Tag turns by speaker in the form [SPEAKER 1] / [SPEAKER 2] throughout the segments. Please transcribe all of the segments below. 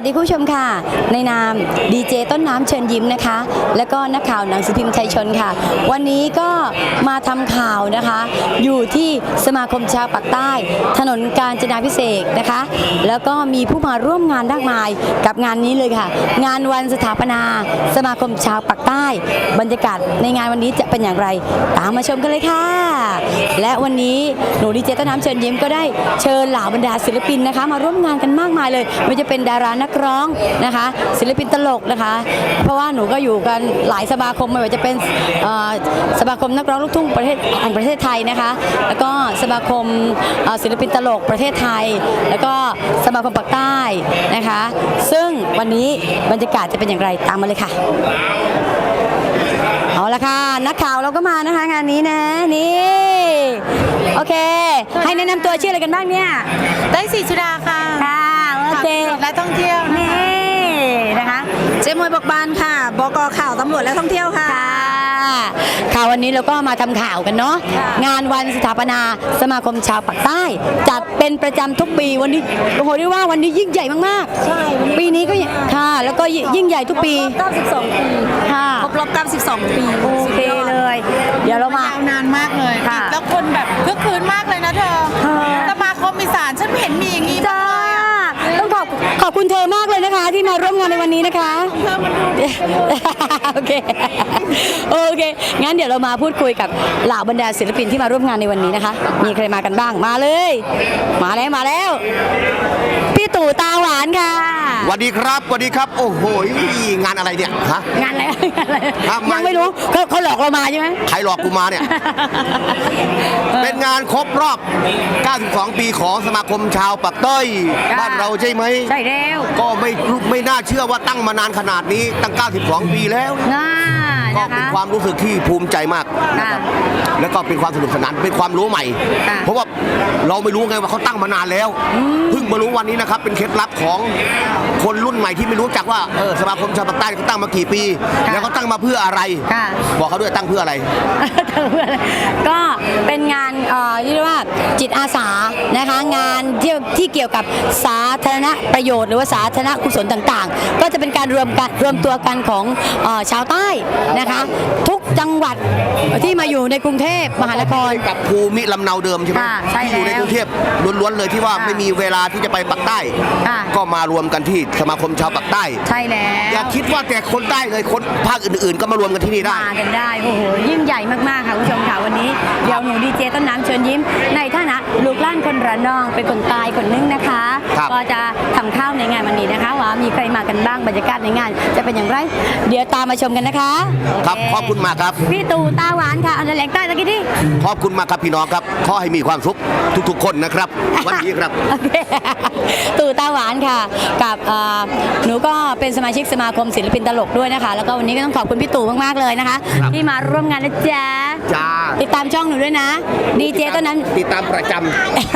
[SPEAKER 1] วัสดีคุณผู้ชมค่ะในนามดีเจต้นน้ำเชิญยิ้มนะคะแล้วก็นักข่าวหนังสือพิมพ์ไทยชนค่ะวันนี้ก็มาทำข่าวนะคะอยู่ที่สมาคมชาวปากใต้ถนนกาญจนาภิเษกนะคะแล้วก็มีผู้มาร่วมงานมากมายกับงานนี้เลยค่ะงานวันสถาปนาสมาคมชาวปากใต้บรรยากาศในงานวันนี้จะเป็นอย่างไรตามมาชมกันเลยค่ะและวันนี้หนูดีเจต้นน้ำเชิญยิ้มก็ได้เชิญเหล่าบรรดาศิลปินนะคะมาร่วมงานกันมากมายเลยไม่ว่าจะเป็นดารานักร้องนะคะศิลปินตลกนะคะเพราะว่าหนูก็อยู่กันหลายสมาคมไม่ว่าจะเป็นสมาคมนักร้องลูกทุ่งประเทศแห่งประเทศไทยนะคะแล้วก็สมาคมศิลปินตลกประเทศไทยแล้วก็สมาคมปากใต้นะคะซึ่งวันนี้บรรยากาศจะเป็นอย่างไรตามมาเลยค่ะเอาละค่ะนักข่าวเราก็มานะคะงานนี้นะนี่โอเคให้แนะนำตัวชื่ออะไรกันบ้างเนี่ย
[SPEAKER 2] ได้ศรีสุดาค่ะ
[SPEAKER 1] ค่ะโอเค
[SPEAKER 2] และท่องเที่ยว
[SPEAKER 1] นี่นะคะ
[SPEAKER 2] เจมวยบอกบานค่ะบก.ข่าวตำรวจและท่องเที่ยวค่ะ
[SPEAKER 1] ข่าววันนี้เราก็มาทำข่าวกันเนาะงานวันสถาปนาสมาคมชาวปากใต้จัดเป็นประจำทุกปีวันนี้โอ้โหเรียกว่าวันนี้ยิ่งใหญ่มาก
[SPEAKER 2] ๆใช่
[SPEAKER 1] ปีนี้ก็ค่ะแล้วก็ยิ่งใหญ่ทุกปี
[SPEAKER 2] 92 ปี
[SPEAKER 1] ค่ะ
[SPEAKER 2] ครบรอบ92 ปี
[SPEAKER 1] โอเคเลยเดี๋ยวเราม
[SPEAKER 2] านานมากเลยแล้วคนแบบคึกคืนมากเลยนะเธอสมาคมอีสานฉันเห็นมีอย่างนี้
[SPEAKER 1] จ้าต้องขอบคุณเธอมากเลยนะคะที่มาร่วมงานในวันนี้นะคะ
[SPEAKER 2] เธอมันดู
[SPEAKER 1] โอเคงั้นเดี๋ยวเรามาพูดคุยกับเหล่าบรรดาศิลปินที่มาร่วมงานในวันนี้นะคะมีใครมากันบ้างมาเลยมาแล้วพี่ตู่ตาหวานค่ะ
[SPEAKER 3] สวัสดีครับโอ้โหงานอะไรเนี่ยฮะ
[SPEAKER 1] งานอะไรยังไม่รู้เขาหลอกเรามาใช่ไหม
[SPEAKER 3] ใครหลอกกูมาเนี่ยเป็นงานครบรอบ92 ปีของสมาคมชาวปากใต้บ้านเราใช่ไหม
[SPEAKER 1] ใช่แล้ว
[SPEAKER 3] ก็ไม่น่าเชื่อว่าตั้งมานานขนาดนี้ตั้ง92 ปีแล้วก็เป็นความรู้สึกที่ภูมิใจมากนะครับแล้วก็เป็นความสนุกสนานเป็นความรู้ใหม่เพราะว่าเราไม่รู้ไงว่าเขาตั้งมานานแล้วเพิ่งมารู้วันนี้นะครับเป็นเคล็ดลับของคนรุ่นใหม่ที่ไม่รู้จักว่าสมาคมชาวปากใต้เขาตั้งมากี่ปีแล้วเขาตั้งมาเพื่ออะไรบอกเขาด้วยตั้งเพื่ออะไร
[SPEAKER 1] ก็เป็นงานเรียกว่าจิตอาสานะคะงานที่เกี่ยวกับสาธารณประโยชน์หรือว่าสาธารณกุศลต่างๆก็จะเป็นการรวมตัวกันของชาวใต้นะคะทุกจังหวัดที่มาอยู่ในกรุงเทพมหานคร
[SPEAKER 3] กับภูมิลำเนาเดิมใช่ไหมที่อยู่ในกรุงเทพล้วนๆเลยที่ว่าไม่มีเวลาที่จะไปปากใต้ก็มารวมกันที่สมาคมชาวปากใต้
[SPEAKER 1] ใช่แล้ว
[SPEAKER 3] อย่าคิดว่าแต่คนใต้เลยคนภาคอื่นๆก็มารวมกันที่นี่ได้
[SPEAKER 1] มากันได้โอ้โหยิ่งใหญ่มากๆค่ะคุณผู้ชมค่ะวันนี้เดี๋ยวหนูดีเจต้นน้ำเชิญยิ้มในฐานะลูกหลานคนระนองเป็นคนใต้คนนึงนะคะก็จะทำข้าวในงานวันนี้นะคะว่ามีใครมากันบ้างบรรยากาศในงานจะเป็นอย่างไรเดี๋ยวตามมาชมกันนะคะ
[SPEAKER 3] ครับขอบคุณมากครับ
[SPEAKER 1] พี่ตู่ตาหวานค่ะอันแหลงใต้ตะกี้ที่
[SPEAKER 3] ขอบคุณมากครับพี่น้องครับขอให้มีความสุขทุกๆคนนะครับวันนี้ครับ
[SPEAKER 1] ตู่ตาหวานค่ะกับหนูก็เป็นสมาชิกสมาคมศิลปินตลกด้วยนะคะแล้วก็วันนี้ก็ต้องขอบคุณพี่ตู่มากๆเลยนะคะที่มาร่วมงานนะจ๊ะติดตามช่องหนูด้วยนะดีเจต้นนั้น
[SPEAKER 3] ติดตามประจำ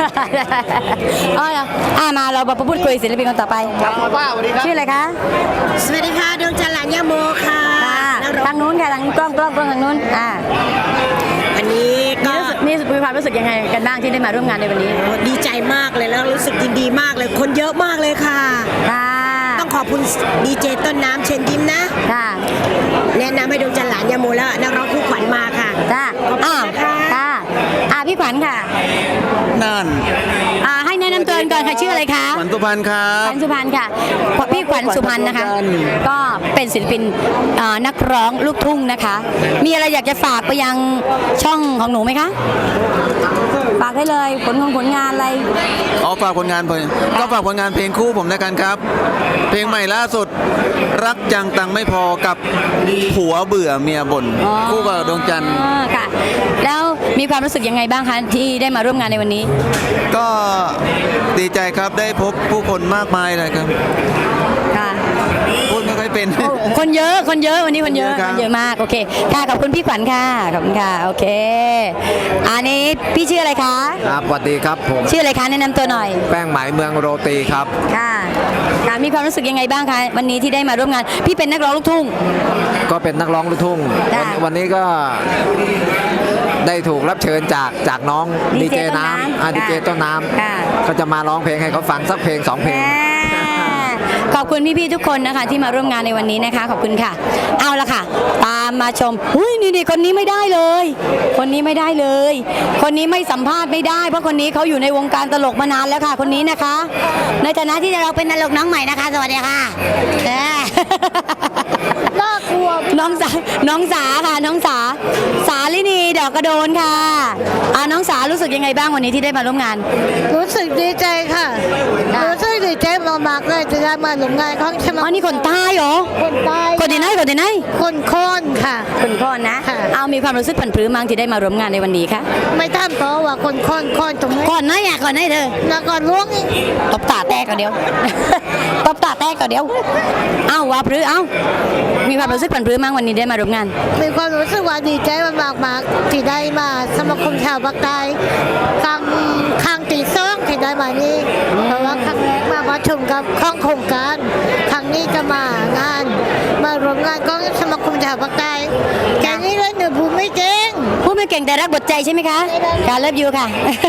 [SPEAKER 1] มาเรามาพูดคุยศิลปินคนต่อไป
[SPEAKER 3] ครับป้าสวัสดีครับ
[SPEAKER 1] ชื่ออะไรคะ
[SPEAKER 2] สวัสดีค่ะดวงจันทร์หลานย่าโมค่ะ
[SPEAKER 1] ทางนู้นค่ะทางกล้องทางนู้น
[SPEAKER 2] วันนี้ก็
[SPEAKER 1] มีความรู้สึกยังไงกันบ้างที่ได้มาร่วมงานในวันนี้
[SPEAKER 2] ดีใจมากเลยแล้วรู้สึกยินดีมากเลยคนเยอะมากเลยค่ะต้องขอบคุณดีเจต้นน้ำเชิญยิ้มนะแนะนำให้ดวงจันทร์หลานย่าโมแล้วนักร้องคู่ขวัญมาค่ะ
[SPEAKER 1] พี่ขวัญค่ะ
[SPEAKER 4] นั่น
[SPEAKER 1] ให้แนะนำตัวก่อนค่ะชื่ออะไรคะ
[SPEAKER 4] ขวัญสุพรรณครับ
[SPEAKER 1] ขวัญสุพรรณค่ะพี่ขวัญสุพรรณนะคะก็เป็นศิลปินนักร้องลูกทุ่งนะคะมีอะไรอยากจะฝากไปยังช่องของหนูไหมคะฝากได้เลยผลงานอะไร
[SPEAKER 4] ฝากผลงานก็ฝากผลงานเพลงคู่ผมแล้วกันครับเพลงใหม่ล่าสุดรักจังตังไม่พอกับผัวเบื่อเมียบ่นคู่กับดวงจันทร์
[SPEAKER 1] ค่ะแล้วมีความรู้สึกยังไงบ้างคะที่ได้มาร่วมงานในวันนี้
[SPEAKER 4] ก็ดีใจครับได้พบผู้คนมากมายเลยครับ
[SPEAKER 1] ค่ะ
[SPEAKER 4] พูดไม่ค่อยเป็น
[SPEAKER 1] คนเยอะวันนี้คนเยอะมากโอเคค่ะขอบคุณพี่ขวัญค่ะขอบคุณค่ะโอเคอันนี้พี่ชื่ออะไรคะ
[SPEAKER 5] ครับสวัสดีครับผม
[SPEAKER 1] ชื่ออะไรคะแนะนำตัวหน่อย
[SPEAKER 5] แป้งไหมเมืองโรตีครับ
[SPEAKER 1] ค่ะมีความรู้สึกยังไงบ้างคะวันนี้ที่ได้มาร่วมงานพี่เป็นนักร้องลูกทุ่ง
[SPEAKER 5] ก็เป็นนักร้องลูกทุ่งวันนี้ก็ได้ถูกรับเชิญจากน้องดีเจน้ำดีเจต้นน้ำก็จะมาร้องเพลงให้เขาฟังสักเพลง2 เพลง
[SPEAKER 1] ขอบคุณพี่ๆทุกคนนะคะที่มาร่วมงานในวันนี้นะคะขอบคุณค่ะ เอาละค่ะ ตามมาชมอุ้ยนี่คนนี้ไม่ได้เลย คนนี้ไม่ได้เลย คนนี้ไม่สัมภาษณ์ไม่ได้ เพราะคนนี้เขาอยู่ในวงการตลกมานานแล้วค่ะ คนนี้นะคะ ในฐานะที่เราเป็นตลกน้องใหม่นะคะ สวัสดีค่ะน่ากลัวน้องสาค่ะน้องสาลินีดอกกระโดนค่ะน้องสารู้สึกยังไงบ้างวันนี้ที่ได้มาร่วมงาน
[SPEAKER 6] รู้สึกดีใจค่ะ รู้สึกดีใจมากๆเลยจะได้มาร่วมงานของสมาคม
[SPEAKER 1] นี่คนใต้เหรอ
[SPEAKER 6] คนใต้
[SPEAKER 1] คนที่ไหน
[SPEAKER 6] คนโคนค่ะ
[SPEAKER 1] คนโคนนะ
[SPEAKER 6] ค่ะ
[SPEAKER 1] เอามีความรู้สึกผันพรื้มั้งที่ได้มาร่วมงานในวันนี้คะ
[SPEAKER 6] ไม่ท่านเพราะว่าคนโคนตรงนี้
[SPEAKER 1] ก่อนนะอยากก่อนให้เธอ
[SPEAKER 6] แล้วก็ล้วงอีก
[SPEAKER 1] ตบตาแตกก่อนเดียว ตบตาแตกก่อนเดียวว่าพรื้มีความรู้สึกผันพรื้มั้งวันนี้ได้มาร่วมงาน
[SPEAKER 6] มีความรู้สึกว่าดีใจมากๆที่ได้มาสมาคมชาวภาคใต้ครั้งที่สองที่ได้มานี่เพราะว่าครั้งแรกมาประชุมกับข้องโครงการครั้งนี้จะมามารวมงานของสมาคมชาวภาคใต้แค่นี้เลยหนูพูดไม่เก่ง
[SPEAKER 1] พูดไม่เก่งแต่รักบทใจใช่ไหมคะการเลิฟยูค่ะ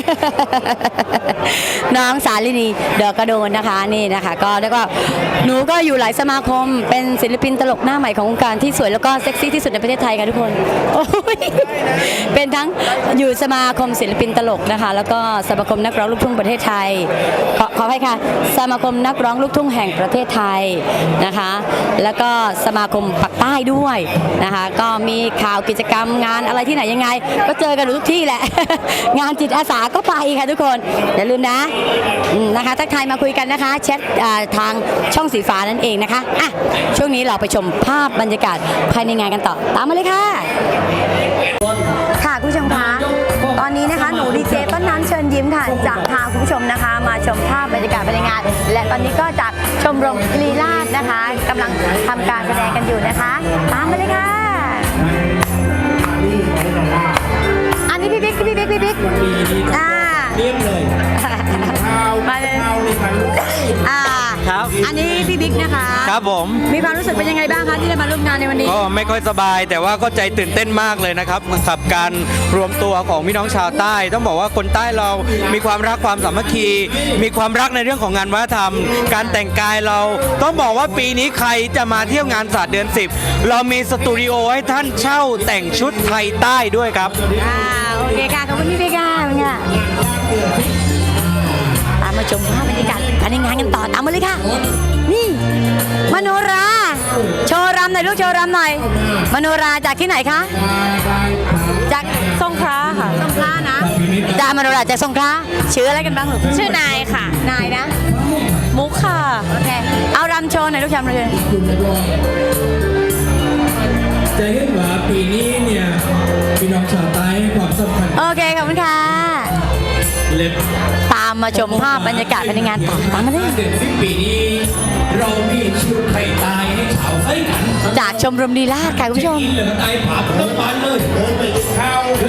[SPEAKER 1] น้องสาลินีดอกกระโดนนะคะนี่นะคะก็แล้วก็หนูก็อยู่หลายสมาคมเป็นศิลปินตลกหน้าใหม่ของวงการที่สวยแล้วก็เซ็กซี่ที่สุดในประเทศไทยค่ะทุกคนโอ้ยเป็นทั้งอยู่สมาคมศิลปินตลกนะคะ แล้วก็สมาคมนักร้องลูกทุ่งประเทศไทยขอให้ค่ะสมาคมนักร้องลูกทุ่งแห่งประเทศไทยนะคะ แล้วก็สมาคมปักใต้ด้วยนะคะ ก็มีข่าวกิจกรรมงานอะไรที่ไหนยังไง ก็เจอกันทุกที่แหละ งานจิตอาสาก็ไปค่ะทุกคนอย่าลืมนะนะคะทักทายมาคุยกันนะคะแชททางช่องสีฟ้านั่นเองนะคะอ่ะช่วงนี้เราไปชมภาพบรรยากาศภายในงานกันต่อตามมาเลยค่ะค่ะคุณผู้ชมคะตอนนี้นะคะหนูดีเจต้นน้ำเชิญยิ้มค่ะจะพาคุณผู้ชมนะคะ มาชมภาพบรรยากาศภายในงาน และตอนนี้ก็จากชมรมลีลาศนะคะกำลังทำการแสดงกันอยู่นะคะตามมาเลยค่ะอันนี้พี่บิ๊กมาเลย
[SPEAKER 7] ครับ
[SPEAKER 1] อันนี้พี่บิ๊กนะคะ
[SPEAKER 7] ครับผม
[SPEAKER 1] มีความรู้สึกเป็นยังไงบ้างคะที่ได้มาร่วมงานในวันนี้
[SPEAKER 7] ก็ไม่ค่อยสบายแต่ว่าก็ใจตื่นเต้นมากเลยนะครับกับการรวมตัวของพี่น้องชาวใต้ ต้องบอกว่าคนใต้เรามีความรักความสามัคคี มีความรักในเรื่องของงานวัฒนธรรม การแต่งกายเราต้องบอกว่าปีนี้ใครจะมาเที่ยวงานศาสตร์เดือน 10 เรามีสตูดิโอให้ท่านเช่าแต่งชุดไทยใต้ด้วยครับ
[SPEAKER 1] โอเคค่ะขอบคุณพี่บิ๊กค่ะตามมาชมภาพบรรยากาศภายในงานกันต่อตามมาเลยค่ะนี่มโนราโชว์รำหน่อยลูกโชว์รำหน่อยมโนราจากที่ไหนคะจากสงขลาค่ะสงขลานะดามโนราจากสงขลาชื่ออะไรกันบ้างลูกชื่อนายค่ะนายนะมุกค่ะโอเคเอารำโชว์หน่อยลูกชมเลย
[SPEAKER 8] จะเห็นว่าปีนี้เนี่ยพี่น้องชาวใต้ให้ความสำคัญ
[SPEAKER 1] โอเคขอบคุณค่ะ
[SPEAKER 8] เล็บ
[SPEAKER 1] ตามมาชมภาพบรรยากาศภายในงานต่อตามมาเลย
[SPEAKER 8] เดือน10 ปีนี้ เรามีชุดไทยใต้ให้ชาวไต้กัน
[SPEAKER 1] จากชมรมลีลาศค่ะคุณผู้ชม
[SPEAKER 8] กินเหลือใต้ผาเพิ่มปานเลยเดินไปข้าวเดิ